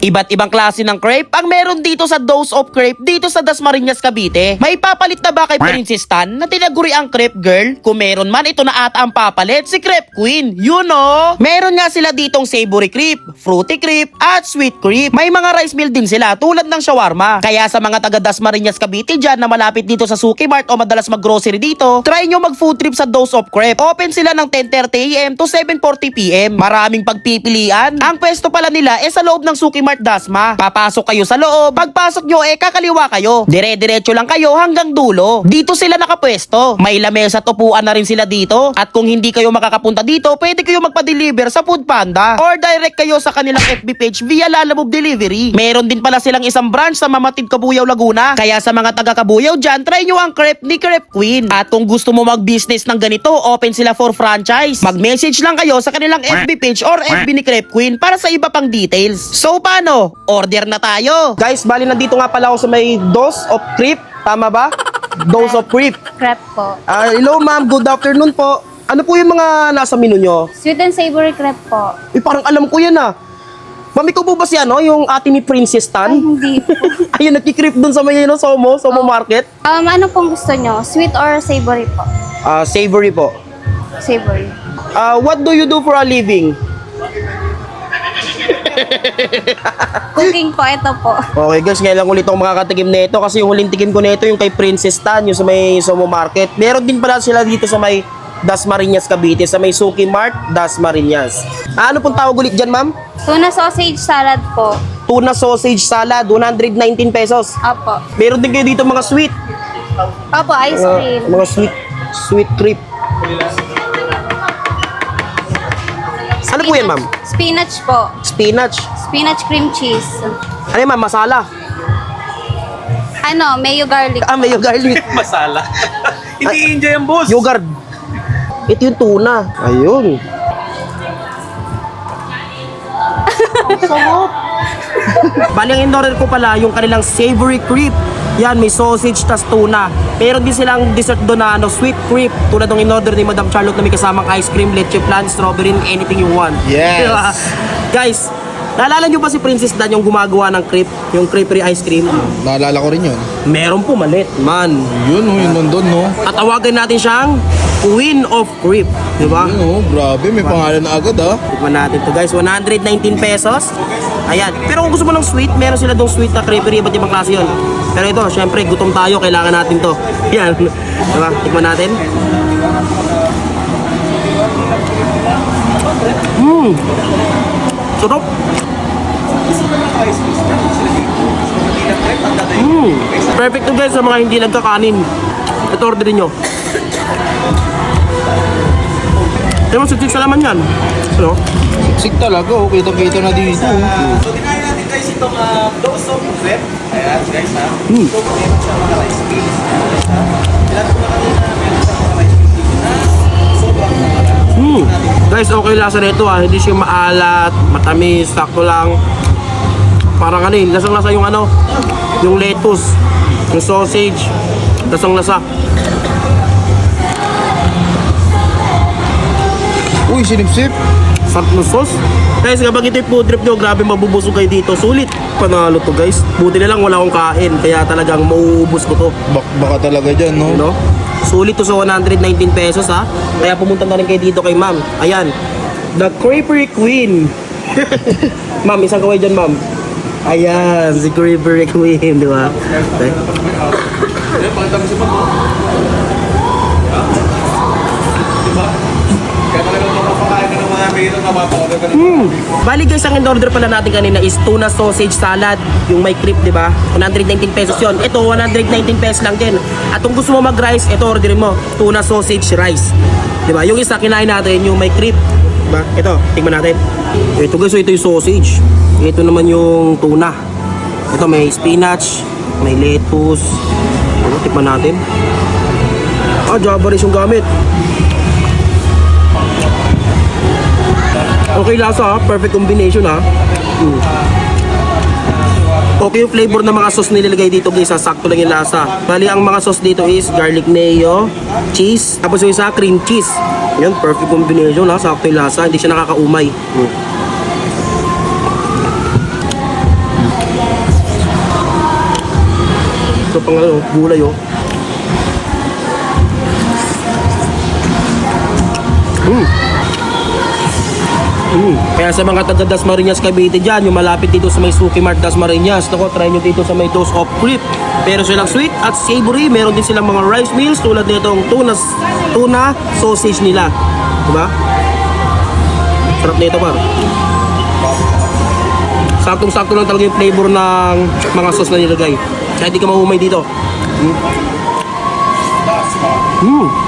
Iba't ibang klase ng crepe ang meron dito sa Dose of Crepe dito sa Dasmariñas, Cavite. May papalit na ba kay Princess Tan na tinaguri ang crepe girl? Kung meron man, ito na ata ang papalit, si Crepe Queen. You know? Meron nga sila ditong savory crepe, fruity crepe, at sweet crepe. May mga rice meal din sila tulad ng shawarma. Kaya sa mga taga Dasmariñas, Cavite dyan na malapit dito sa Suki Mart o madalas mag-grocery dito, try nyo mag-food trip sa Dose of Crepe. Open sila ng 10:30 AM to 7:40 PM. Maraming pagpipilian. Ang pwesto pala nila sa loob ng Suki Mart Dasma. Papasok kayo sa loob. Pagpasok nyo kakaliwa kayo. Dire-diretso lang kayo hanggang dulo. Dito sila nakapwesto. May lamesa at upuan na rin sila dito. At kung hindi kayo makakapunta dito, pwede kayo magpa-deliver sa Food Panda. Or direct kayo sa kanilang FB page via Lalamove Delivery. Meron din pala silang isang branch sa Mamatid, Cabuyao, Laguna. Kaya sa mga taga Cabuyao dyan, try nyo ang crepe ni Crepe Queen. At kung gusto mo mag-business ng ganito, open sila for franchise. Mag-message lang kayo sa kanilang FB page or FB ni Crepe Queen para sa iba pang details. So paano? Order na tayo. Guys, bali nandito nga pala ako sa may Dose of Crepe. Tama ba? Dose of Crepe. Crepe po. Hello ma'am, good afternoon po. Ano po yung mga nasa menu nyo? Sweet and savory crepe po. Parang alam ko yan ah. Ma'am, ikaw po ba si yung ate ni Princess Tan? Ay, hindi po. Ayun, nagki-crepe dun sa may Somo Market. Ano pong gusto nyo? Sweet or savory po? Savory po. Savory. What do you do for a living? Cooking po, ito po. Okay guys, ngayon lang ulit ako makakatikim nito kasi yung huling tikim ko nito yung kay Princess Tan, yung sa may Somo Market. Meron din pala sila dito sa may Dasmariñas, Cavite, sa may Suki Mart, Dasmariñas. Ano pong tawag ulit dyan, ma'am? Tuna sausage salad po. Tuna sausage salad, 119 pesos. Opo. Meron din kayo dito mga sweet. Opo, ice cream. Mga sweet crepe. Ano po yan, ma'am? Spinach po. Spinach. Spinach cream cheese. Ano yan, ma'am? Masala. Mayo garlic. Mayo garlic. Masala. Hindi enjoy ang boss. Yogurt. Ito yung tuna. Ayun. Bali, ang in-order ko pala yung kanilang savory crepe. Yan, may sausage tas tuna. Pero din silang dessert doon na sweet crepe. Tulad ng in-order ni Madam Charlotte na may kasamang ice cream, leche flan, strawberry, anything you want. Yes. Diba? Guys, naalala nyo ba si Princess Dan yung gumagawa ng crepe? Yung crepery ice cream? Naalala ko rin yun. Meron pumalit, man. Yun, yun nandun, no? At tawagan natin siyang Queen of Crepe. Diba? Yun, grabe, may pangalan na agad, ha? Tikman natin to guys, 119 pesos. Ayan, pero kung gusto mo ng sweet, meron sila dong sweet na crepery, iba't ibang klase yun. Pero ito, syempre, gutom tayo, kailangan natin to. Ayan, diba? Tikman natin. Sarap. Perfect to guys sa mga hindi nagkakanin. Ito, orderin nyo. Kaya mo, siksik sa laman yan. Ano? Siksik talaga, oh. Kita-kita na dito. So, dinahin natin guys itong Dose of Crepe. Ayan guys ha. So, meron siya mga rice meals. Ilan po na kanina meron siya mga rice meals dito na sobrang naman. Guys, okay lasa nito hindi siya maalat, matamis, sakto lang. Parang lasang-lasa yung yung lettuce, yung sausage, lasang-lasa. Uy, sinipsip. Sarap ng sauce. Guys, kapag ito yung food trip nyo, grabe mabubusog kayo dito. Sulit. Panalo to guys. Buti na lang wala akong kain, kaya talagang mauubos ko to. Baka talaga dyan, no? No? Sulit to sa 119 pesos ha. Kaya pumunta na rin kayo dito kay ma'am. Ayan. The Crepery Queen. Ma'am, isang kaway dyan ma'am. Ayan, si Crepery Queen, di ba? Okay. Bali guys, ang in-order pala natin kanina is tuna sausage salad, yung may crepe, di ba? 119 pesos yon. Ito 119 pesos lang din. At kung gusto mo mag-rice, ito orderin mo, tuna sausage rice. Di ba? Yung isa kinain natin yung may crepe. Di ba? Ito, tingnan natin. Ito guys, ito yung sausage. Ito naman yung tuna. Ito may spinach, may lettuce. Ano, tikman natin. Java rice yung gamit. Okay lasa, perfect combination ha. Okay yung flavor ng mga sauce nilalagay dito guys, sakto lang yung lasa. Bali ang mga sauce dito is garlic mayo, cheese, tapos yung isa cream cheese. Yan, perfect combination ha, sakto yung lasa, hindi siya nakakaumay. Ito pang ano, gulay oh. Kaya sa mga taga Dasmariñas, Cavite dyan, yung malapit dito sa may Suki Mart Dasmariñas, naku, try nyo dito sa may Dose of Creep. Pero silang sweet at savory, meron din silang mga rice meals tulad nitong tuna sausage nila. Diba? Sarap nito par. Saktong-sakto lang talaga yung flavor ng mga sauce na nilagay. Kahit di ka mahumay dito.